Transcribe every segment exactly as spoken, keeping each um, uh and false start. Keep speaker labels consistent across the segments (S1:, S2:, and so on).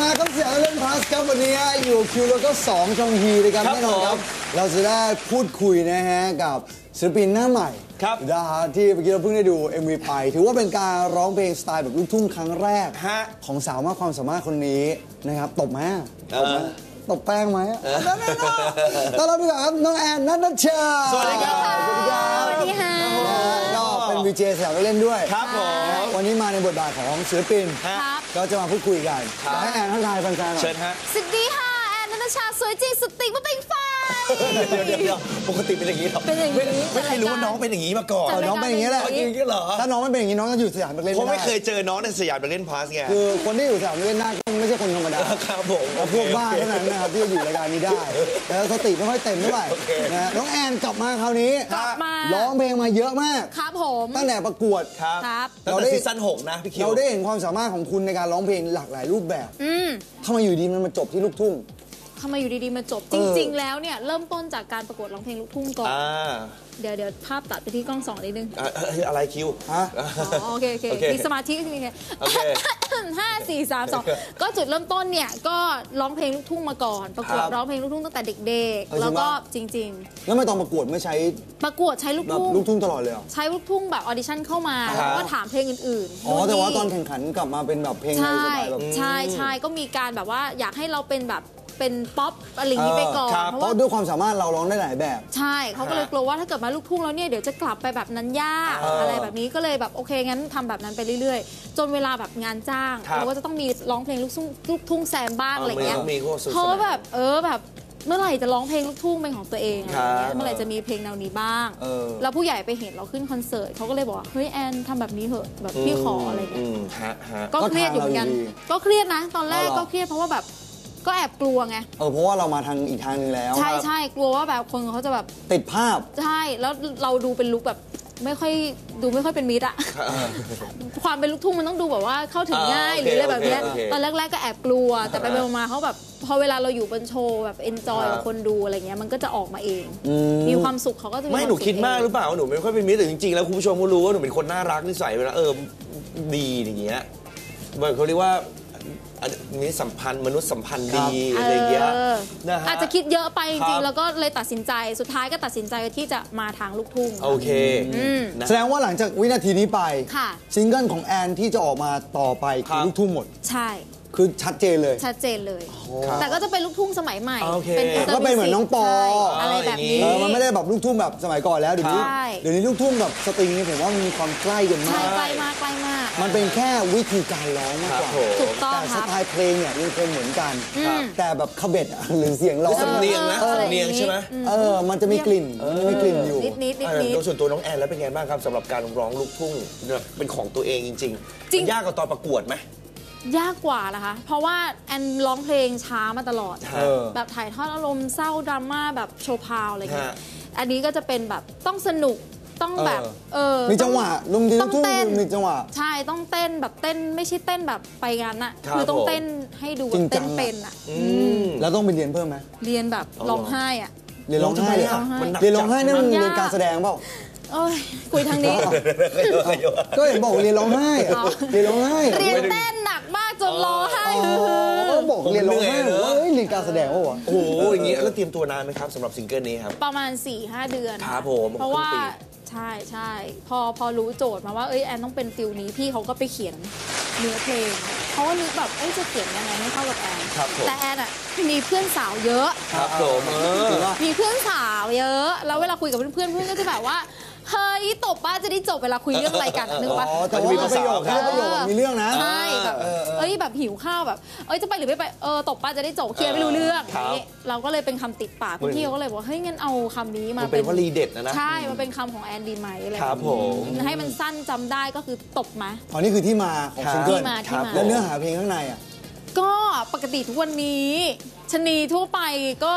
S1: มาครับเสียงเล่นพาสครับวันนี้อยู่คิวแล้วก็สองชองฮีเลยครับแน่นอนครับเราจะได้พูดคุยนะฮะกับศิลปินหน้าใหม่ครับนะฮะที่เมื่อกี้เราเพิ่งได้ดู เอ็ม วี ไปถือว่าเป็นการร้องเพลงสไตล์แบบลูกทุ่งครั้งแรกของสาวมากความสามารถคนนี้นะครับตบไหมตบไหมตบแป้งไหมนั่นนั่นต้อนรับดีกว่าครับน้องแอนนัทนัชชา
S2: สวัสดีครับ
S1: สวัสดีครับ
S2: สวัสดีค่ะ
S1: ก็เป็นวีเจสาวเล่นด้วย
S2: ครับผม
S1: วันนี้มาในบทบาทของศิลปินก็จะมาพูดคุยกันให้แอนทักทายแฟนๆหน่อย
S2: เชิญฮะ
S3: สวัสดีค่ะแอนนัทชาสวยจริงสุดติ่งมาเป็นไฟ
S2: เดี๋ยวเดี๋ยวปกติเป็นอย่างนี้หรอ
S3: เป็นอย่างนี้
S2: ไม่เคยรู้ว่าน้องเป็นอย่างนี้มาก่อน
S1: น้องเป็นอย่างนี้แหละ
S2: จริงๆเหรอ
S1: ถ้าน้องไม่เป็นอย่างนี้น้องจะอยู่สยามเล่น
S2: เพราะไม่เคยเจอน้องในสยามเล่นพาสไง
S1: คือคนที่อยู่สยามเล่นหน้าก็ไม่ใช่คนธรรมดา
S2: ครับผม
S1: พวกบ้าเท่านั้นนะครับที่จะอยู่รายการนี้ได้แต่สติไม่ค่อยเต็มเท่าไหร่นะน้องแอนกลับมาคราวนี้ร้องเพลงมาเยอะมาก
S3: ครับผม
S1: ตั้งแต่ประกวด
S2: ครับเราได้ซีซั่นหกนะพี่คิว
S1: เราได้เห็นความสามารถของคุณในการร้องเพลงหลากหลายรูปแบบทำไมอยู่ดีมันมาจบที่ลูกทุ่ง
S3: ทำไมอยู่ดีๆมาจบจริงๆแล้วเนี่ยเริ่มต้นจากการประกวดร้องเพลงลูกทุ่งก่อนเดี๋ยวเดี๋ยวภาพตัดไปที่กล้องสองนิดนึง
S2: อะไรคิว
S3: ฮะโอเคโอเคมีสมาธิโอเคห้าสี่สามสองก็จุดเริ่มต้นเนี่ยก็ร้องเพลงลูกทุ่งมาก่อนประกวดร้องเพลงลูกทุ่งตั้งแต่เด็กๆแล้วก็จริง
S1: ๆแล้วไม่ตอนประกวดไม่ใช้
S3: ประกวดใช้ลูกทุ่ง
S1: ลูกทุ่งตลอดเลย
S3: ใช้ลูกทุ่งแบบออดิชั่นเข้ามาแล้วก็ถามเพลงอื่น
S1: ๆอ๋อแต่ว่าตอนแข่งขันกลับมาเป็นแบบเพลง
S3: ใช่ใช่ใช่ก็มีการแบบว่าอยากให้เราเป็นแบบเป็นป๊อปอะไรอย่างนี้ไปก่อน
S1: เพราะด้วยความสามารถเราร้องได้หลายแบบ
S3: ใช่เขาก็เลยกลัวว่าถ้าเกิดมาลูกทุ่งแล้วเนี่ยเดี๋ยวจะกลับไปแบบนั้นยากอะไรแบบนี้ก็เลยแบบโอเคงั้นทำแบบนั้นไปเรื่อยๆจนเวลาแบบงานจ้างเราก็จะต้องมีร้องเพลงลูกทุ่งลูกทุ่งแซมบ้างอะไรเงี้ยเพราะแบบเออแบบเมื่อไหร่จะร้องเพลงลูกทุ่งเป็นของตัวเองอะไรเงี้ยเมื่อไหร่จะมีเพลงแนวนี้บ้างแล้วผู้ใหญ่ไปเห็นเราขึ้นคอนเสิร์ตเขาก็เลยบอกว่าเฮ้ยแอนทำแบบนี้เถอะแบบพี่ขออะไรเงี้ยก็เครียดอยู่เหมือนกันก็เครียดนะตอนแรกก็เครียดเพราะว่าแบบก็แอบกลัวไง
S1: เออเพราะว่าเรามาทางอีกทางนึงแล้ว
S3: ใช่ใช่กลัวว่าแบบคนเขาจะแบบ
S1: ติดภาพ
S3: ใช่แล้วเราดูเป็นลุคแบบไม่ค่อยดูไม่ค่อยเป็นมิตรอะความเป็นลูกทุ่งมันต้องดูแบบว่าเข้าถึงง่ายหรืออะไรแบบนี้ตอนแรกๆก็แอบกลัวแต่ไปๆมาเขาแบบพอเวลาเราอยู่บนโชว์แบบเอนจอยกับคนดูอะไรเงี้ยมันก็จะออกมาเองมีความสุขเขาก็จะ
S2: ไม่หนูคิดมากหรือเปล่าหนูไม่ค่อยเป็นมิตรแต่จริงๆแล้วคุณผู้ชมก็รู้ว่าหนูเป็นคนน่ารักนิสัยเวลาเออดีอย่างเงี้ยเขาเรียกว่ามีสัมพันธ์มนุษยสัมพันธ์ดีอะไรเงี้ย
S3: นะฮะอาจจะคิดเยอะไปจริงๆแล้วก็เลยตัดสินใจสุดท้ายก็ตัดสินใจที่จะมาทางลูกทุ่ง
S2: โอเค
S1: แสดงว่าหลังจากวินาทีนี้ไปซิงเกิลของแอนที่จะออกมาต่อไปคือลูกทุ่งหมด
S3: ใช่
S1: คือชัดเจนเลย
S3: ชัดเจนเลยแต่ก็จะเป็นลูกทุ่งสมัยใหม่
S1: ก็เป็นเหมือนน้องปอ
S3: อะไรแบบนี้
S1: มันไม่ได้แบบลูกทุ่งแบบสมัยก่อนแล้วเดี๋ยวนี้เดี๋ยวนี้ลูกทุ่งแบบสตริงนี่ผมว่ามีความใกล้กันมาก
S3: ใกล้มากใกล้มาก
S1: มันเป็นแค่วิธีการร้องมากกว่า
S3: ถูกต้อง
S1: แต่สไตล์เพลงเนี่ยยังคงเหมือนกันแต่แบบขบเบ็ดหรือเสียงร้อง
S2: สำเนียงนะสำเนียงใช่ไหม
S1: เออมันจะมีกลิ่นมันมีกลิ่นอยู่
S3: นิดนิดนิดนิด
S2: โดยส่วนตัวน้องแอนแล้วเป็นไงบ้างครับสำหรับการร้องลูกทุ่งเป็นของตัวเองจริงๆยากกว่าตอนประกวดไหม
S3: ยากกว่านะคะเพราะว่าแอนร้องเพลงช้ามาตลอดแบบถ่ายทอดอารมณ์เศร้าดราม่าแบบโชว์พาวอะไรเงี้ยอันนี้ก็จะเป็นแบบต้องสนุกต้องแบบเออ
S1: มีจังหวะลุงดีต้องเต้นมีจังหวะ
S3: ใช่ต้องเต้นแบบเต้นไม่ใช่เต้นแบบไปงานน่ะคือต้องเต้นให้ดูเต้นเป็นอ่ะ
S1: แล้วต้องไปเรียนเพิ่มไหม
S3: เรียนแบบร้องไห้อ่ะ
S1: เรียนร้องไห้เลยเรียนร้องไห้นี่มันเรียนการแสดงเปล่า
S3: โอ้ยคุยทางนี้
S1: ก็เห็นบอกเรียนร้องไห้เรียนร้องไห้
S3: เรียนเต้นหนักมากจนร้องไห้
S1: ก็บอกเรียนร้องไห้ว่าเรียนการแสดงวะ
S2: โอ้โหอย่างงี้แล้วเตรียมตัวนานไหมครับสำหรับซิงเกิลนี้ครับ
S3: ประมาณ สี่ห้า เดือน
S2: ครับผม
S3: เพราะว่าใช่ใช่พอพอรู้โจทย์มาว่าเอ้ยแอนต้องเป็นฟิลนี้พี่เขาก็ไปเขียนเนื้อเพลงเขาก็นึกแบบเอ้ยจะเขียนยังไงให้เข้ากับแอนแต่แอนอ่ะมีเพื่อนสาวเยอะ
S2: ครับผม
S3: มีเพื่อนสาวเยอะแล้วเวลาคุยกับเพื่อนๆเพื่อนก็จะแบบว่าเฮ้ยตบป้าจะได้จบเวลาคุยเรื่องอะไรกันนึกปะ
S1: แต่ว่าประโยคแค่ประโยคมีเรื่องนะ
S3: ใช่แบบเอ้ยแบบหิวข้าวแบบเอ้ยจะไปหรือไม่ไปเออตบป้าจะได้จบเคลียร์ไม่รู้เรื่องนี้เราก็เลยเป็นคำติดปากพี่เขาก็เลยบอกเฮ้ยงั้นเอาคำนี้มา
S2: เป็นวลีเด็ดนะนะ
S3: ใช่มันเป็นคำของแอนดีไหมอะไร
S2: ครับผม
S3: ให้มันสั้นจำได้ก็คือตบมา
S1: อ๋อนี่คือที่มาของซิงเกิลแล้วเนื้อหาเพลงข้างในอ่ะ
S3: ก็ปกติทุกวันนี้ชนีทั่วไปก็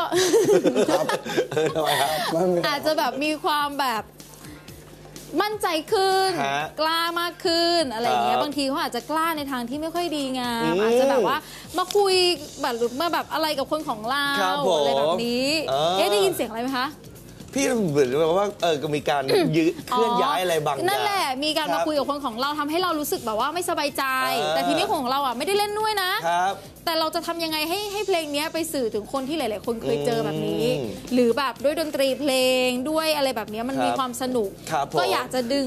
S3: อาจจะแบบมีความแบบมั่นใจขึ้นกล้ามากขึ้นอะไรอย่างเงี้ยบางทีเขาอาจจะกล้าในทางที่ไม่ค่อยดีงามอาจจะแบบว่ามาคุยแบบหรือมาแบบอะไรกับคนของเราอะไรแบบนี้เอ๊ะได้ยินเสียงอะไรไหมคะ
S2: พี่เหมือนแบบว่าเออก็มีการยืดเคลื่อนย้ายอะไรบางอย่าง
S3: นั่นแหละมีการมาคุยกับคนของเราทำให้เรารู้สึกแบบว่าไม่สบายใจแต่ทีนี้ของเราอ่ะไม่ได้เล่นด้วยนะครับแต่เราจะทำยังไงให้ให้เพลงนี้ไปสื่อถึงคนที่หลายๆคนเคยเจอแบบนี้หรือแบบด้วยดนตรีเพลงด้วยอะไรแบบนี้มันมีความสนุกก็อยากจะดึง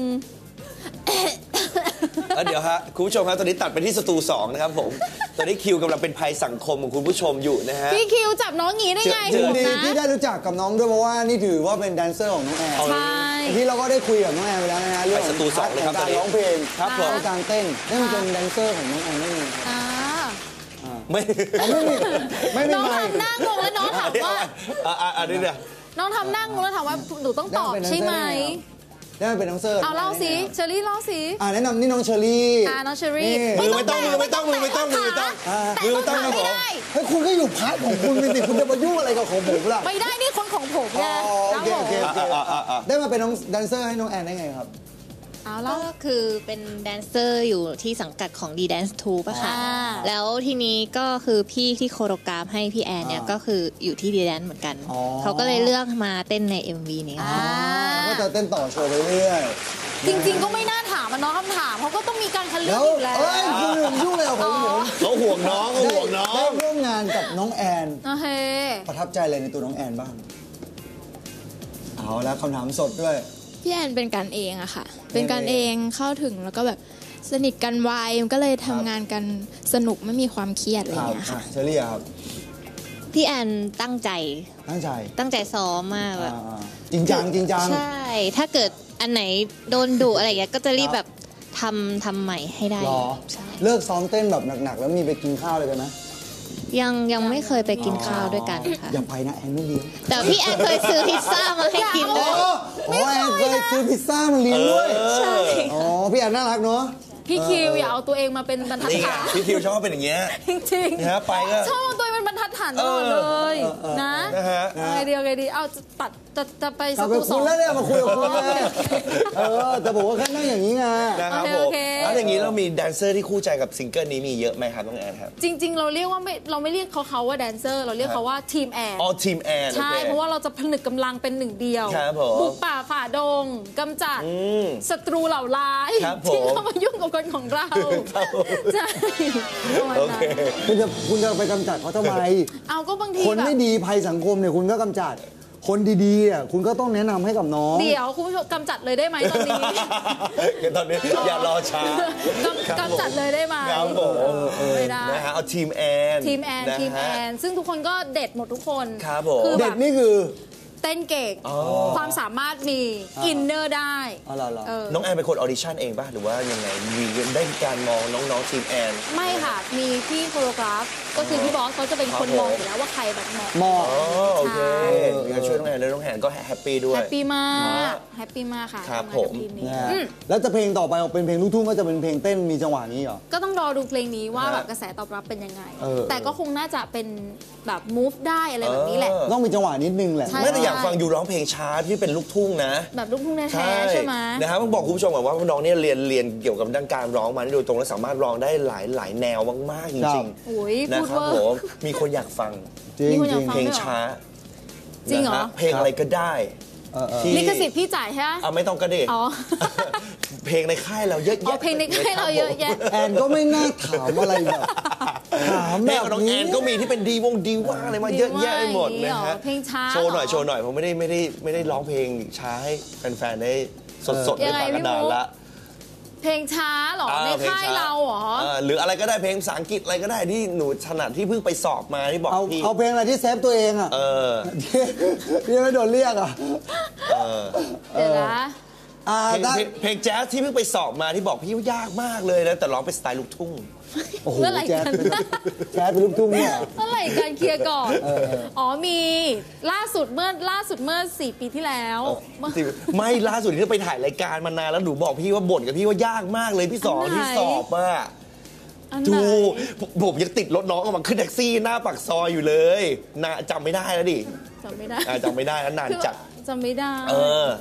S2: เดี๋ยวฮะคุณผู้ชมครับตอนนี้ตัดไปที่สตูสองนะครับผมตอนนี้คิวกำลังเป็นภัยสังคมของคุณผู้ชมอยู่นะฮะ
S3: พี่คิวจับน้องงี้ได้ไง
S1: ดีที่ได้รู้จักกับน้องด้วยเพราะว่านี่ถือว่าเป็นแดนเซอร์ของน้องแอน
S3: ใช่
S1: ที่เราก็ได้คุยกับน้องแอนไปแล้วนะฮะเรื่อง
S2: สตูสองเลยครับ
S1: การร้องเพลง
S2: ครับผม
S1: การเต้นนั่นเป็นแดนเซอร์ของน้องแอนไม่มี
S2: ไม่
S1: ไม่มีไม่มี
S3: น้องทำหน้างงแล้วน้องถามว่า
S2: อันนี้เนี่ย
S3: น้องทำหน้างงแล้วถามว่าหนูต้องตอบใช่ไหม
S1: ได้เป็นน้องเซอร์
S3: เอาเล่าสิเชอรี่เล่าสิ
S1: อ่าแนะนำนี่น้องเชอรี่
S3: อ่าน้องเชอรี่
S2: มือไม่ต้องมือไม่ต้องมือไม่ต้องมือไม่ต้อง
S3: มือไม่ต้อง
S1: ไม่ได้เฮ้ยคุณก็อยู่พาร์ทของคุณสิคุณจะมายุ่งอะไรกับของผมล่ะ
S3: ไม่ได้นี่คนของผมไง
S1: โอเคโอเคโอเคได้มาเป็นน้องแดนเซอร์ให้น้องแอนได้ไงครับ
S4: ก็คือเป็นแดนเซอร์อยู่ที่สังกัดของ ดี Dance ทูป่ะค่ะแล้วทีนี้ก็คือพี่ที่โคโรกราฟให้พี่แอนเนี่ยก็คืออยู่ที่ ดี Dance เหมือนกันเขาก็เลยเลือกมาเต้นใน เอ็ม วี นี้ค่ะ
S1: ก็จะเต้นต่อโชว์ไปเรื่อย
S3: จริงๆก็ไม่น่าถามมันน้องคำถามเขาก็ต้องมีการคัดเลือกอยู่แล้ว
S1: เอ้ยคุณลืมยุ่งเลยผม
S2: เขาห่วงน้องเขาห่วงน้อง
S1: ได้ร่วมงานกับน้องแอน
S3: โอเค
S1: ประทับใจอะไรในตัวน้องแอนบ้างเอาแล้วคำถามสดด้วย
S4: พี่แอนเป็นกันเองอะค่ะเป็นกันเองเข้าถึงแล้วก็แบบสนิทกันไวมันก็เลยทำงานกันสนุกไม่มีความเครียดอะไรอย่างเงี้ยค่ะ
S1: เชอรี่ครับ
S4: พี่แอนตั้งใจ
S1: ตั้งใจ
S4: ตั้งใจซ้อมมากแบบ
S1: จริงจังจริงจัง
S4: ใช่ถ้าเกิดอันไหนโดนดุอะไรอย่างเงี้ยก็จะรีบแบบทำทำใหม่ให้ได้
S1: เลิกซ้อมเต้นแบบหนักๆแล้วมีไปกินข้าวเลยกันไหม
S4: ยังยังไม่เคยไปกินข้าวด้วยกันค่ะ
S1: อย่าไปนะแอนไม่เลี้ยง
S4: แต่พี่แอนเคยซื้อพิซซ่ามาให้กินเลย
S1: อ๋อแอนเคยซื้อพิซซ่ามาเลี้ยงด้วย
S4: ใช่
S1: อ๋อพี่แอนน่ารักเนาะ
S3: พี่คิวอย่าเอาตัวเองมาเป็นบรรทัดฐาน
S2: พี่คิวชอบเป็นอย่างเงี้ย
S3: จริงๆ
S2: นะไปก็
S3: ชอบตัวเองเป็นบรรทัดฐานตลอดเลยนะไงเดียวไงดีเอาตัดจะจะไป
S1: สตูสองแล้วเนี่ยมาคุยกับคุณเออแต่บอกว่าแค่นั่งอย่างนี้ไง
S2: นะครับผมแล้วอย่างนี้เรามีแดนเซอร์ที่คู่ใจกับซิงเกิลนี้มีเยอะไหมครับน้องแอนครับ
S3: จริงๆเราเรียกว่าไม่เราไม่เรียกเขาเขาว่าแดนเซอร์เราเรียกเขาว่าทีมแอน
S2: อ๋อทีมแอน
S3: ใช่เพราะว่าเราจะผนึกกำลังเป็นหนึ่งเดียวบุกป่าฝ่าดงกำจัดศัตรูเหล่าร้ายที่เข้ามายุ่งกับคนของเราใช่
S1: คุณจะคุณจะไปกำจัดเขาทำไม
S3: เอาก็บางที
S1: คนไม่ดีภัยสังคมเนี่ยคุณก็กำจัดคนดีๆอ่ะคุณก็ต้องแนะนำให้กับน้อง
S3: เดี๋ยวคุณผู้ชมกำจัดเลยได้ไหมตอนนี้
S2: ตอนนี้อย่ารอช้าก
S3: ำจัดเลยได้ไหมไม่ได้
S2: นะฮะเอาทีมแอน
S3: ทีมแอนทีมแอนซึ่งทุกคนก็เด็ดหมดทุกคน
S2: ครับผม
S1: เด็ดนี่คือ
S3: เต้นเก่งความสามารถมีอินเนอร์ได้
S2: น้องแอนเป็นคนออดิชั่นเองป่ะหรือว่ายังไงมีได้การมองน้องๆทีมแอน
S3: ไม่ค่ะมีพี่โคโรกราฟก็คือพี่บอสเขาจะเป็นคนมองอยู่แล้วว่าใครแบบเหมาะ
S1: เหมาะ
S2: โอเคมีการช่วยน้องแอนแล้วน้องแอนก็แฮปปี้ด้วย
S3: แฮปปี้มากแฮปปี้มากค่ะ
S2: ครับผม
S1: แล้วจะเพลงต่อไปออกเป็นเพลงลูกทุ่งก็จะเป็นเพลงเต้นมีจังหวะนี้เหรอ
S3: ก็ต้องรอดูเพลงนี้ว่าแบบกระแสตอบรับเป็นยังไงแต่ก็คงน่าจะเป็นแบบ move ได้อะไรแบบนี้แหละ
S1: ต้องมีจังหวะนิดนึงแหละ
S2: ไม่แต่อยากฟังอยู่ร้องเพลงช้าที่เป็นลูกทุ่งนะ
S3: แบบลูกทุ่งแท้ๆใช่ไหม
S2: นะครับต้องบอกคุณผู้ชมก่อนว่าน้องเนี่ยเรียนเรียนเกี่ยวกับด้านการร้องมาโดยตรงและสามารถร้องได้หลายหลายแนวมากๆจริงๆนะครับผมมีคนอยากฟังเพลงช้า
S3: จริงเหรอ
S2: เพลงอะไรก็ได้
S3: ลิขสิทธิ์พี่จ่ายใช่ไหม
S2: อ่ะไม่ต้องกระเดะเพลงในค่ายเราเยอะแยะ
S3: เพลงในค่ายเราเยอะแยะ
S1: แอนก็ไม่น่าถามอะไรแบบถามแบบ
S2: น้องแอนก็มีที่เป็นดีวงดีว่าอะไรมาเยอะแยะไปหมดนะฮะ
S3: เพลงช้า
S2: โชว์หน่อยโชว์หน่อยผมไม่ได้ไม่ได้ไม่ได้ร้องเพลงช้าให้แฟนๆได้สดๆได้ฟังกันนานละ
S3: เพลงช้าหรอในค่ายเราหรอ
S2: หรืออะไรก็ได้เพลงภาษาอังกฤษอะไรก็ได้ที่หนูถนัดที่เพิ่งไปสอบมาที่บอกพี่
S1: เอาเพลงอะไรที่เซฟตัวเองอ่ะ
S2: เออ
S1: ที่ไม่โดนเรียกอ่ะ
S3: เดี๋ยวนะ
S2: เพลงแจ๊สที่เพิ่งไปสอบมาที่บอกพี่ว่ายากมากเลยนะแต่ร้องเป็นสไตล์ลูกทุ่ง
S1: เมื่อไหร่กันแจ๊สเป็นลูกทุ่งเนี่ย
S3: เมื่อไหร่กันเคลียร์ก่อนอ๋อมีล่าสุดเมื่อล่าสุดเมื่อสี่ปีที่แล้ว
S2: ไม่ล่าสุดที่ไปถ่ายรายการมานานแล้วหนูบอกพี่ว่าบ่นกับพี่ว่ายากมากเลยพี่สอนที่สอบอ่ะดูผมยังติดรถน้องออกมาขึ้นแท็กซี่หน้าปากซอยอยู่เลยน่าจำไม่ได้แล้วดิ
S3: จำไม่ได้
S2: จำไม่ได้แล้วนานจัด
S3: จำไม่ได้
S2: เออ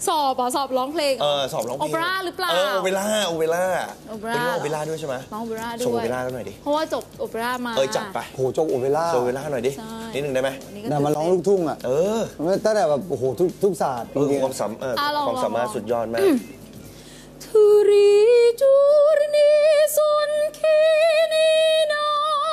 S3: สอบอ่ะสอบร้องเพลง
S2: เออสอบร้องเพลง
S3: โอเปร่าหรือเปล่า
S2: เออโอเปร่าโอเปร่า
S3: โอเปร่า
S2: วันนี้โอเปร่าด้วยใช่ไหม
S3: ร้องโอเปร่าด้วย
S2: ส่งโอเปร่ากันหน่อยดิ
S3: เพราะว่าจบโอเปร่ามา
S2: เออจัดไป
S1: โหโจกโอเปร่า
S2: โชว์โอเปร่าหน่อยดิ
S3: ใช่
S2: นิดนึงได้ไหม
S3: วันนี้ก็
S1: แต่มาร้องลูกทุ่งอ่ะ
S2: เออ
S1: ตั้งแต่แบบโอ้โหทุกทุกศาสตร์
S2: เออ
S1: จริงๆ
S2: ความสามเออ
S3: อ่ะลอง
S2: ความสามารถ
S3: ลอง
S2: สุดยอดมาก
S3: Turi giorni son chini no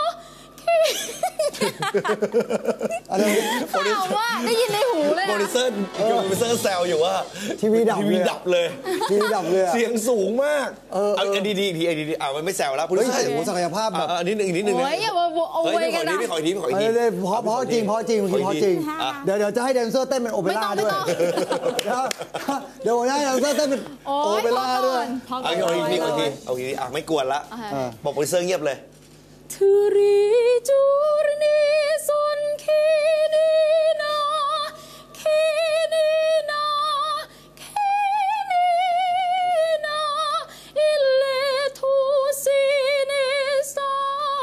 S1: อะไร
S3: ข่าวว่าได้ยินในหูเลย
S2: โปรดิวเซอร์โปรดิวเซอร์แซวอยู่ว่า
S1: ทีวีดับ
S2: ที
S1: เล
S2: วี
S1: ย
S2: ดับเลย
S1: ทีวีดับเลยอะ
S2: เสียงสูงมาก
S1: เออ
S2: เอาดีดีๆอีกทีไอ้ดีๆอ่ะมันไม่แซวแล้วโปรดิ
S1: เฮ้
S2: วย เซอร์
S1: โอ้โหศักยภาพแบบ
S2: อ่ะอันนี้หนึ่งอีกนิดนึง
S3: โอ้ยอย่ามาโอ้
S2: เฮ้ย
S3: ย
S2: พี่ข
S3: กั
S2: อน อีก
S3: นะ
S2: ทีพี่ขออีกทีพี่ขออีกที
S1: เเลยเพราะเพราะจริงเพราะจริงเมื่อกี้เพราะจริง
S2: อ่ะ
S1: เดี๋ยวเดี๋ยวจะให้แดนเซอร์เต้นเป็นโอเปร่าด้วย
S3: ไม่ต้อง
S1: เดี๋ยวเดี๋ยวให้แดนเซอร์เต้นเป็น
S3: โอ้
S1: โอย เป
S3: พอ
S1: ร่า
S3: ก่
S1: ด้ว
S3: อย นพอก่
S2: เอา
S3: อน
S2: อีกทีเอาอีกทีเอาอีกทีอ่ะไม่กวนละ
S3: โอเค
S2: บอกโปรดิวเซอร์เงียบเลย
S3: Turi giorni son chini no chini no chini no il letto sinistra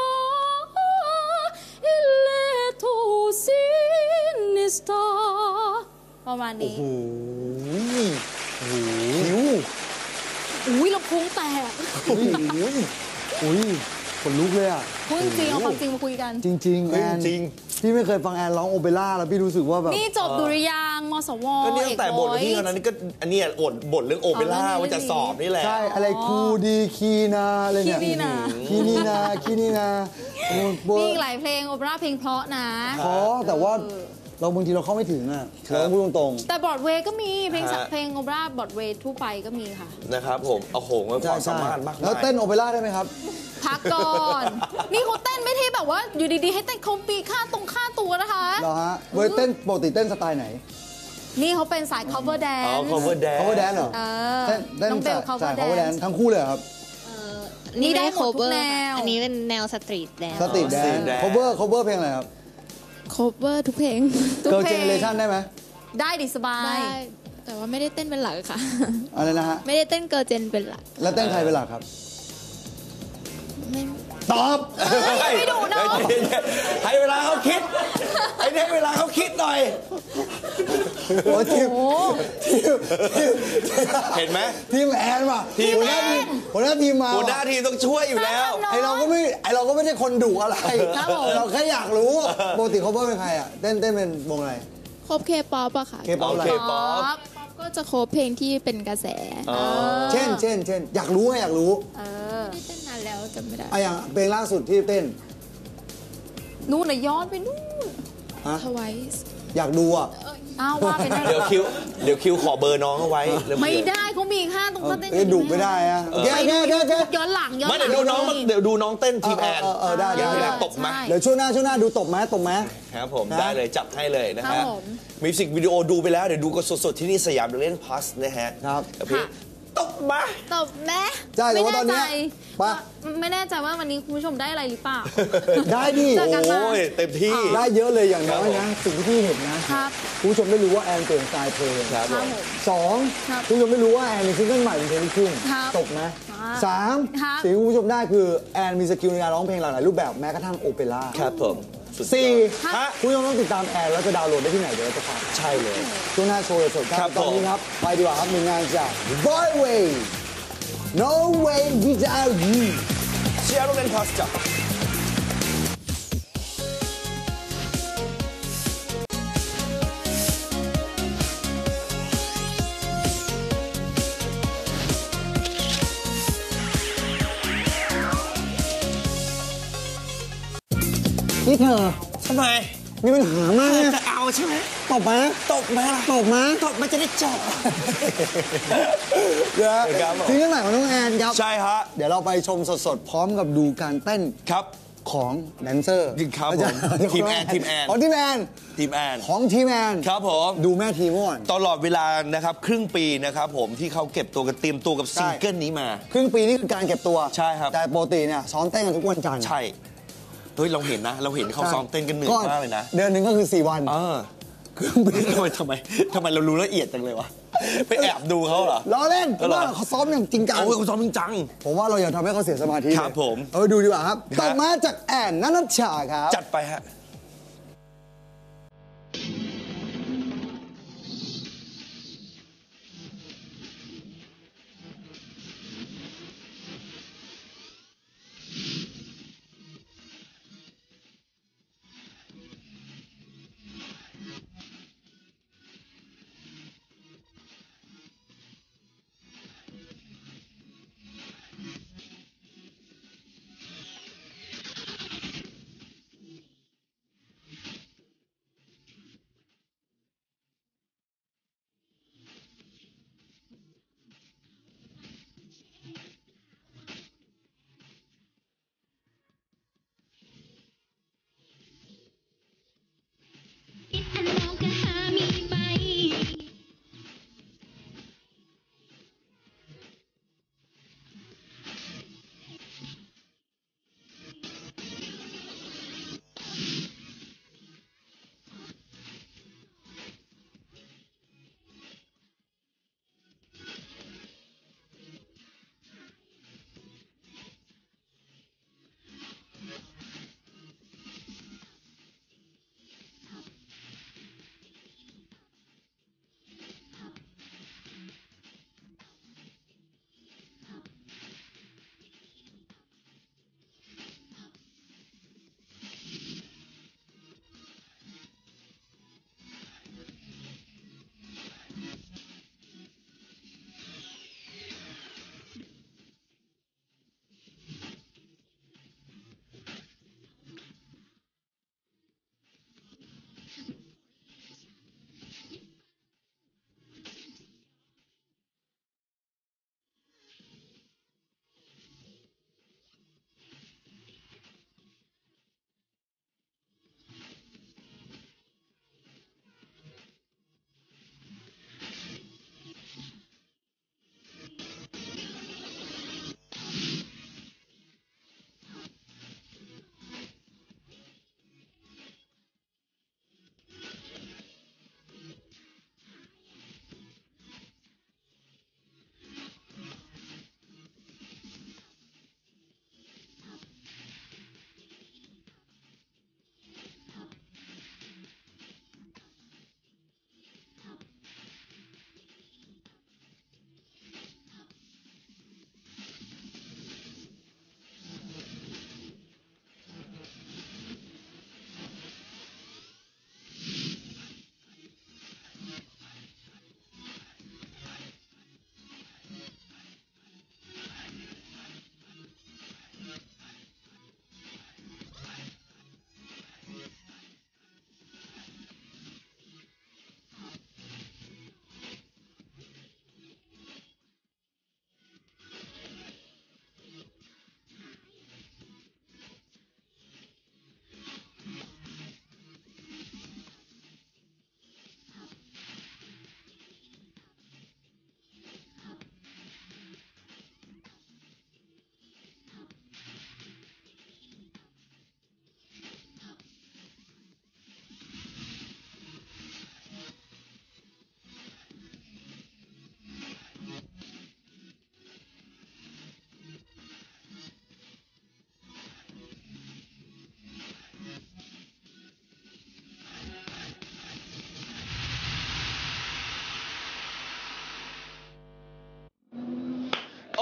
S3: il letto sinistra ประมาณนี้
S1: โอ้โหหิว
S3: อุ้ยลำโพงแตก
S1: อุ้ยอุ้ยขนลุกเลยอ่ะ
S3: พูดจริงๆเอาความจริงมาคุยกัน
S1: จริงๆ
S2: เฮ้
S1: แอย น
S2: จริง
S1: พี่ไม่เคยฟังแอนร้องโอเปร่าแล้วพี่รู้สึกว่าแบบ
S3: นี่จบดุริยางค์มสว
S2: ก็เนี่ยตั้งแต่บทที่ตอนนั้นนี่ก็อันเนี้ยอดบทเรื่องโอเปร่า
S3: อ๋อเรื่องนี้
S2: ว่าจะสอบนี่แหละ
S1: ใช่อะไรครูดีคีนาอะไรเนี่ย
S3: คีนีนา
S1: คีนีนาคีนีนาโอ้โห
S3: มีอีกหลายเพลงโอเปร่าเพลงเพราะนะ
S1: เพราะแต่ว่าเราบางทีเราเข้าไม่ถึงอ่ะเราต้องพูดตรง
S3: แต่บอร์ดเวย์ก็มีเพลงสัก
S2: ฮะ
S3: เพลงโอเปร่าบอร์ดเวย์ทั่วไปก็มีค่ะ
S2: นะครับผมโอ้โหมัน
S1: ๆ
S2: ความ
S1: ใช่
S2: สามารถมากมาย
S1: แล้วเต้นโอเปร่าได้ไหมครับ
S3: พักก่อน นี่เขาเต้นไม่ที่แบบว่าอยู่ดีๆ ให้เต้นเขาปีค่าตรงค่าตัวนะคะ
S1: เหรอฮะเว้ยเต้นปกติเต้นสไตล์ไหน
S3: นี่เขาเป็นสาย cover
S2: อ๋อ
S3: dance
S2: cover dance
S1: cover dance เหรอ
S3: เออ
S1: เต้นเต้น
S3: น้องเบล
S1: สาย
S3: cover
S1: สาย cover dance
S3: dance
S1: ทั้งคู่เลยเหรอครับ
S3: นี่ได้
S4: ได้
S3: หมดทุก
S4: cover
S3: แนว
S4: อันนี้เป็นแนวสตรีทแดน
S1: สตรีทแดน
S2: street dance
S1: cover cover เพลงอะไรครับ
S5: cover ทุกเพลง
S3: ทุก
S1: Girl
S3: เพลง
S1: Generation ได้ไหม
S3: ได้ดิสบาย
S5: ได้ แต่ว่าไม่ได้เต้นเป็นหลักค่ะ
S1: อะไรนะฮะ
S5: ไม่ได้เต้นเกิร์ลเจนเป็นหลัก
S1: แล้วเต้นใครเป็นหลักครับ
S5: ไม่
S1: ตอบ
S3: ไม่ดุเนอะ
S2: ให้เวลาเขาคิดไอ้เนี่ยให้เวลาเขาคิดหน่อย
S1: โอ้ทีม
S3: โอ้
S1: ทีมทีม
S2: เห็นไหม
S1: ทีมแอนว่ะ
S2: ทีม
S1: หัวหน้า
S2: แอน
S1: ทีมหัวหน้าทีมมา
S2: หัวหน้า
S1: ว่ะ
S2: ทีมต้องช่วยอยู่แล้ว
S1: ไอเราก็ไม่ไอเราก็ไม่ใช่คนดุอะไร
S3: ครับผม
S1: เราแค่อยากรู้ปกติเขาเป็นใครอ่ะเต้นเต้นเป็นวงอะไร
S5: ครบเคป๊อปอะค่ะ
S1: เคป๊อปอะไร
S2: โอเค ป๊อป
S3: ป๊อป
S5: ป๊อปก็จะโคบเพลงที่เป็นกระแส
S2: อ๋อ
S1: เช่นเช่นเช่นอยากรู้ไงอยากรู้
S3: เออ
S5: ไม่ได้เต้นนานแล้วจำไม่ได้
S1: ไอะอย่างเพลงล่าสุดที่เต้น
S3: นู่นน่ะย้อนไปนู่น
S1: ฮะ
S5: ทวาย
S1: อยากดูอ่ะ
S3: อ้าวว่าไปได้
S2: เดี๋ยวคิวเดี๋ยวคิวขอเบอร์น้องเอาไว้แล้ว
S3: ไม่ได้เขามีค่าตรงนั้นเต้น
S1: เอ้ยดุไม่ได้อะโอเค
S3: ไป
S1: โอเค
S3: ดู
S1: โอเคโอเค
S3: ย้อนหลังย้อนห
S2: ไม่
S3: ลัง
S2: เดี๋ยวดูน้องเดี๋ยวดูน้องเต้นทีมแอน
S1: เออเออเออได้ได้
S2: เดี๋ยว
S1: ได้
S2: ตบไหม
S3: ใช่
S1: เดี๋ยวช่วงหน้าช่วงหน้าดูตบไหมตบไหม
S2: ครับผม
S1: นะ
S2: ได้เลยจับให้เลยนะ
S3: ครั
S2: ฮะ
S3: บผม
S2: มิวสิกวิดีโอดูไปแล้ว เดี๋ยวดูกันสดๆ ที่นี่สยามเล่นพลัสนะฮะ
S1: ครับ
S2: กับเพลงตบมา
S3: ตบแม่
S1: ใช่แต่ว่าตอนเนี้ย
S3: ไม่แใจ
S1: ปะ
S3: ไม่แน่ใจว่าวันนี้คุณผู้ชมได้อะไรหรือเปล่า
S1: ได้ดิ
S3: เจอกันมา
S2: โอ้ยเต็มที่
S1: ได้เยอะเลยอย่างน้อย
S2: ครั
S1: นะ
S2: บผม
S1: สิ่งที่พี่เห็นนะครับ คุณผู้ชมได้รู้ว่าแอนเปลี่ยนสไตล์เพลง
S2: ครับ
S3: ค
S2: ผ
S3: รับ
S2: ม
S3: ผม
S1: สอง
S3: ครับ
S1: คุณผู้ชมได้รู้ว่าแอนมีซิงเกิลใหม่เป็นเพลงลูกทุ่ง
S3: ครับ
S1: ตกไหม
S3: ครับ
S1: สาม
S3: ครับ
S1: สิ่งที่คุณผู้ชมได้คือแอนมีสกิลในการร้องเพลงหลากหลายรูปแบบแม้กระทั่งโอเปร่า
S2: ครับผมสุดยอด
S1: สี่
S2: ฮะ
S1: คุณผู้ชมต้องติดตามแอนแล้วจะดาวน์โหลดได้ที่ไหนเดี๋ยวเราจะฝาก
S2: ใช่เลย
S1: ช่วงหน้าโชว์สดๆค
S2: ครั
S1: รับบ ตอนนี้
S2: ผม
S1: ครับ ไปดีกว่าครับหนึ่งงานจาก Boy Way No Way Without You
S2: เชียร์โรงเรียนพลัสจ้ะ
S1: นี่เธอ
S2: ทำไม
S1: มีปัญหามากนะ
S2: จะเอาใช่ไหม
S1: ตบไหม
S2: ตบมาล่ะ
S1: ตบไหม
S2: ตบมันจะได้จบ
S1: เดี๋ยว
S2: ครับผม
S1: ซิงเกิลใหม่ของน้องแอนครับ
S2: ใช่ฮะ
S1: เดี๋ยวเราไปชมสดๆ พร้อมกับดูการเต้น
S2: ครับ
S1: ของแดนเซอร์
S2: จริงครับผม
S1: เดี๋ยว
S2: ทีมแอนทีมแอน
S1: ของทีมแอน
S2: ทีมแอน
S1: ของทีมแอน
S2: ครับผม
S1: ดูแม่ทีมก่อน
S2: ตลอดเวลานะครับครึ่งปีนะครับผมที่เขาเก็บตัวกันเตรียมตัวกับ
S1: ใช่
S2: ซิงเกิลนี้มา
S1: ครึ่งปีนี่คือการเก็บตัว
S2: ใช่ครับ
S1: แต่ปกติเนี่ยซ้อมเต้นกันทุกวันจันทร์
S2: ใช่ เฮ้ย เราเห็นนะ เราเห็นเขาซ้อมเต้นกันเหนื่อยมากเลยนะ
S1: เดือนหนึ่งก็คือสี่วัน
S2: เออทำไมทำไมทำไมเรารู้ละเอียดจังเลยวะ ไปแอบดูเขาเหรอ
S1: ล้อเล่น
S2: เออเหรอ
S1: ว่าเขาซ้อมอย่างจริงจัง
S2: โอ้ยเขาซ้อมจริงจัง
S1: ผมว่าเราอย่าทำให้เขาเสียสมาธิ
S2: ครับ
S1: เลย
S2: ผม
S1: เออดูดีกว่าครับ
S2: ฮะ
S1: ต่อมาจากแอนนันชชาครับ
S2: จัดไปฮะ
S6: I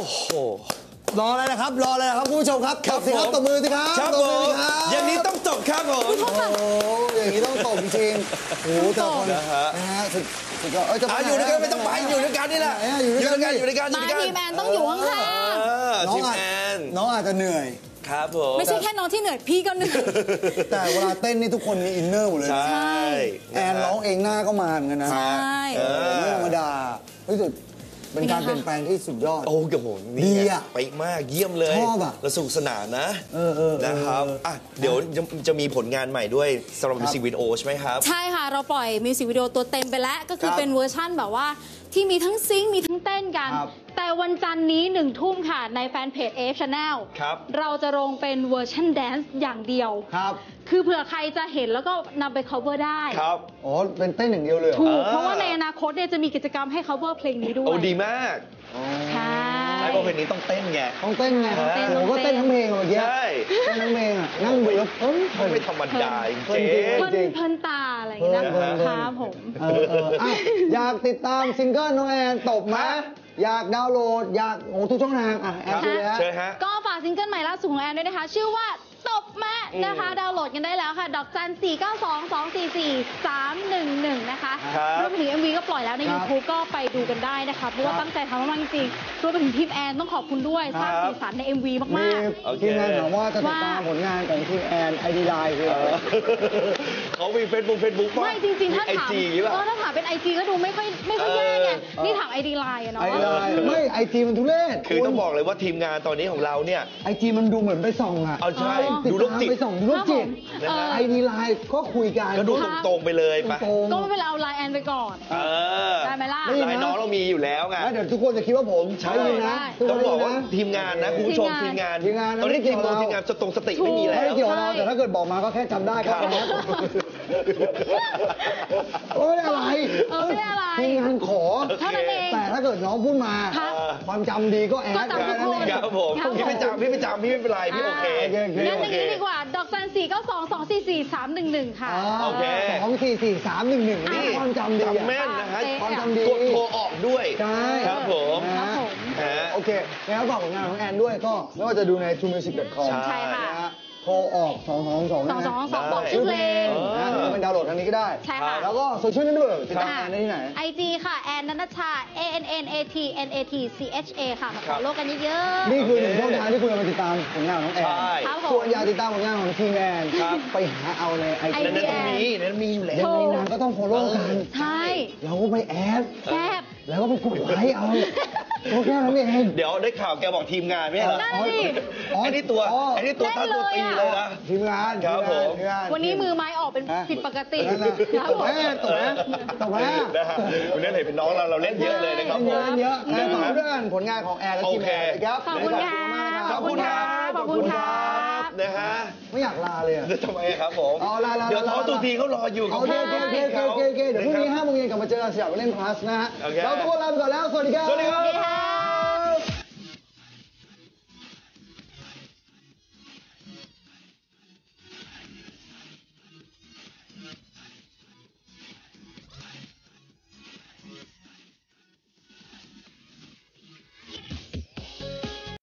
S2: โห
S1: รออะไรนะครับรออะไรนะครับคุณผู้ชมครับ
S2: ครับ
S1: ตบสิครับ
S2: ผม
S1: ตบมือสิครับ
S2: ครับ
S1: ตบ
S2: ผ
S1: มือ
S2: ม
S1: สิครับ
S2: อย่างนี้ต้องจบครับผม
S1: โอ้โหอย่างนี้ต้องตบจริงๆโอ้โหแต่คน
S2: นะฮะ
S1: นะฮะสุดสุดยอดเอ้ยจะ
S2: อ่ะอยู่ด้วยกันไม่ต้องไปอยู่ด้วยกันนี่แหละ
S1: อยู่ด้วยกัน
S2: อยู่ด้วยกันอยู่
S3: มา
S2: ด้วยกัน
S3: ทีแมนต้องอยู่ข้าง
S2: เออ
S1: น้อ
S2: ที
S1: ง
S2: ม
S1: อาจ
S2: แอน
S1: น้องอาจจะเหนื่อย
S2: ครับผม
S3: ๆไม่ใช่แค่น้องที่เหนื่อยพี่ก็เหนื่อย
S1: แต่เวลาเต้นนี่ทุกคนมีอินเนอร์หมดเลย
S2: ใช
S1: นะ
S2: ่
S1: แอนร้องเองหน้าก็มาเหมือนกันนะ
S3: ใช่
S2: เออ
S1: ไม่ธรรมดาเฮ้ยสุดเป็นการเปลี่ยนแปลงที่สุดยอด
S2: โอ้โหนี่
S1: ดี
S2: ไง
S1: อะ
S2: ไปมากเยี่ยมเลย
S1: ชอบอะ
S2: แล้วสนุกสนานนะ
S1: เออเออเออ
S2: นะครับอ่ะเดี๋ยวจะจะมีผลงานใหม่ด้วยสำหรับ
S1: ครับ
S2: มิวสิกวิดีโอใช่ไหมครับ
S3: ใช่ค่ะ เราปล่อยมิวสิกวิดีโอตัวเต็มไปแล้ว ก็คือ
S1: ครับ
S3: เป็นเวอร์ชั่นแบบว่าที่มีทั้งซิงค์มีทั้งเต้นกัน
S1: ครับ
S3: แต่วันจันทร์นี้หนึ่งทุ่มค่ะ ในแฟนเพจ เอ เอฟ Channel
S2: ครับ
S3: เราจะลงเป็นเวอร์ชันแดนซ์อย่างเดียว
S1: ครับ
S3: คือเผื่อใครจะเห็นแล้วก็นำไป cover ได้
S2: ครับ
S1: อ๋อเป็นเต้นอย่างเดียวเลยเหรอ
S3: ถูก
S2: อ่า
S3: เพราะว่าในอนาคตเนี่ยจะมีกิจกรรมให้ cover เพลงนี้ด้ว
S2: โอ้
S3: ย
S2: ดีมาก
S3: ใช่
S2: ใช่เพราะเพลงนี้ต้องเต้นไง
S1: ต้องเต้นไง
S2: ต้องเต้น
S1: ผมก็เต้นทั้งเพลงอะเมื่อกี้
S2: ใช่
S1: เต้นทั้งเพลงอะนั่งดูแล้วเอ้ย
S2: ไม่ธรรมดาจ
S1: เพิ่
S2: ริ
S1: น
S2: ง
S1: จริง
S3: เพลิน
S1: จริง
S3: เพลินตาอะไรอย่างเงี้ย
S1: เพลินเพลิน
S3: ครับผม
S1: เออเอออ่ะอยากติดตามซิงเกิลน้องแอนตบไหมอยากดาวน์โหลด อยากโอ้ทุกช่องทางอ่ะแอน
S2: ครับ
S1: ดูเลยฮะ
S2: เชิญฮะ
S3: ก็ฝากซิงเกิลใหม่ล่าสุดของแอนด้วยนะคะ ชื่อว่าตบแม่นะคะ ดาวน์โหลดกันได้แล้วค่ะ ดอกจัน สี่ เก้า สอง สอง สี่ สี่ สาม หนึ่ง หนึ่ง นะคะ
S2: ครับ
S3: รวมไปถึง เอ็ม วี ก็ปล่อยแล้วใน
S1: ครับ
S3: YouTube ก็ไปดูกันได้นะคะ เพราะว่า
S1: ครับ
S3: ตั้งใจทำมากๆจริงๆรวมไปถึงทีมแอนต้องขอบคุณด้วย สร้าง
S2: ครับ
S3: สีสันใน เอ็ม วี
S1: มี
S3: มาก
S2: โอเค
S1: ทีมงานถามว่าจะติดตาม
S3: ว่า
S1: ผลงานของทีมแอนไอดีไลน์คืออะไร
S2: เขามีเฟซบุ๊กเฟซบุ๊ก
S3: ๆ ไม่จริงๆ ถ้า
S2: ไอ
S3: ถาม
S2: จีอย่างงี้ป่ะ
S3: เออถ้าถามเป็น ไอ จี ก็ดูไม่ค่อยไม่ค่อยแย่ไง
S1: เออ
S3: นี่ถาม ไอ ดี ไลน์อะเนาะ
S1: ไอดีไลน์ไม่ไอจีมันทุเรศ
S2: คือต้องบอกเลยว่าทีมงานตอนนี้ของเราเนี่ย
S1: ไอจีมันดูเหมือนไปส่องอ่ะ
S2: เอาใช่
S1: ติด
S2: ดูโรค
S1: ตาม
S2: จิต
S1: ไปส่องดูโรคจิต
S3: ครับผม
S1: ไอดีไลน์ก็คุยกัน
S2: ก็ดูตรงๆไปเลยไป
S1: ตรงๆ
S3: ก็ไม่เป็นไรเอาไลน์แอนไปก่อน
S2: เออ
S3: ได้ไหมล่ะ
S1: ไม่
S2: ลายน้องเรามีอยู่แล้วไง
S1: แล้วเดี๋ยวทุกคนจะคิดว่าผม
S2: ใช่
S1: ได้ยินนะทุกค
S2: ต้อน ง
S1: ได้
S2: บ
S1: ยิ
S2: อก
S1: น
S2: ว่า
S1: นะ
S2: ทีมงานนะคุณผู้ชม
S3: ที
S2: ที
S3: มงาง
S2: มาน น
S1: ทีมงานนะ
S2: ตอนนี้
S1: ไม่เกี่
S2: ที
S1: ยว
S2: ม
S1: กับ
S2: งาน
S1: เรา
S2: ทีมงานสตรงสติไม่มีแล้
S1: ไม่
S2: ว
S1: เกี่ยวกับเราแต่ถ้าเกิดบอกมาก็แค่จำได้ครับโอ้ยอะไร
S3: เออไม่ได้อะไร
S1: ทีมงานขอ
S3: เท่านั้นเอง
S1: แต่ถ้าเกิดน้องพูดมา
S3: ครับ
S1: ความจำดีก็แอด
S3: ก็จำทุกคน
S1: แค่
S2: ครับผม
S3: ครับผม
S2: พี่ไม่จำพี่ไม่จำพี่ไม่เป็นไรพี่โอเค
S1: โอเคโอเค
S3: งั้นอย่างนี้ดีกว่า ดอกจัน สี่ เก้า สอง สอง สี่ สี่ สาม หนึ่ง หนึ่ง ค่ะ
S2: โอเค
S1: สองสี่สี่สามหนึ่งหนึ่ง
S2: นี่
S1: นี่ความจำดีอะ
S2: จำแม่นนะฮะ
S1: ความจำดี
S2: กดโทรออกด้วย
S1: ใช่
S2: ครับผม
S3: ครับผม
S2: ฮะ
S1: โอเคแล้วฝากผลงานของแอนด้วยก็ไม่ว่าจะดูใน ทู มิวสิก ดอท คอม
S3: ใช่ค่ะ
S1: นะฮะโทรออกสองสองสอง
S3: สองสองสอง
S2: ได้
S3: บอกชื่อเพลง
S1: นะหรือว่าเป็นดาวน์โหลดทางนี้ก็ได้
S3: ใช่ค่ะ
S1: แล้วก็โซเชียลเน็ตเวิร์กติดตาม
S3: ค่ะ
S1: แอนได้ที่ไหน
S3: ไอจีค่ะ แอนนันชา A N N A T N A T C H A ค่ะ มา
S2: ครั
S3: ข
S2: บ
S3: อโลกกันเยอะ
S1: นี่คือหนึ่งช่องทางที่คุณจะมาติดตามผลงานของแอน
S2: ใช่
S3: ครับผม
S1: ส่วนอยากติดตามผลงานของทีมแอน
S2: ครับ
S1: ไปหาเอาในไอ
S3: ไอ
S1: จี
S2: นั่นนั่นมีนั่นมีอยู่แล้
S1: ยั
S2: ว
S1: งไงนางก็ต้องฟอลโล่กัน
S3: ๆ ใช่
S1: เราก็ไปแอด
S3: แซ่บ
S1: แล้วก็ไปกดไลค์เอาก็แค่นั้นเอง
S2: เดี๋ยวได้ข่าวแกบอกทีมงานไม่ใช่เหรอ
S3: นั่นสิ
S1: อ๋อ
S2: ไอ้นี่ตัว
S1: อ๋อ
S2: ไอ้นี่ตัวตั้งตัวตีเลยนะ
S1: ทีมงาน
S2: ครับผม
S1: ทีงาน
S3: วันนี้มือไม้ออกเป็นผิดปกติ
S1: นั่นน่ะ
S3: ครับ
S1: ตบ
S3: ผม
S1: แม่ตบแม่ตบแม่
S2: นะฮะวันนี้เห็นเป็นน้องเราเราเล่นเยอะเลยนะครับผ
S1: เย
S2: ม
S1: อะเยอะแอนฝากด้วยกันผลงานของแอนและทีมแอน
S2: โอเค
S1: นะครับ
S3: ขอบคุณค่ะ
S2: ขอบคุณครับ
S3: ขอบคุณครับ
S2: นะฮะ
S1: ไม่อยากลาเลยอะ
S2: ทำไมครับผม
S1: เอาลาลา
S2: เดี๋ยว
S1: ลา
S2: ท้อ
S1: ลา
S2: ตูทีเขารออยู่
S1: โอเคโอเคโอเคโอเคโอเคโอเคเดี๋ยวพรุ่งนี้ห้าโมงเย็นกลับมาเจอกันสยามเล่นพลัสนะฮะ
S2: โอเค
S1: เราทุกคนลาไปก่อนแล้ว สวัสดีครับ
S2: สวัสดีครับ
S3: สวัสดีค่ะ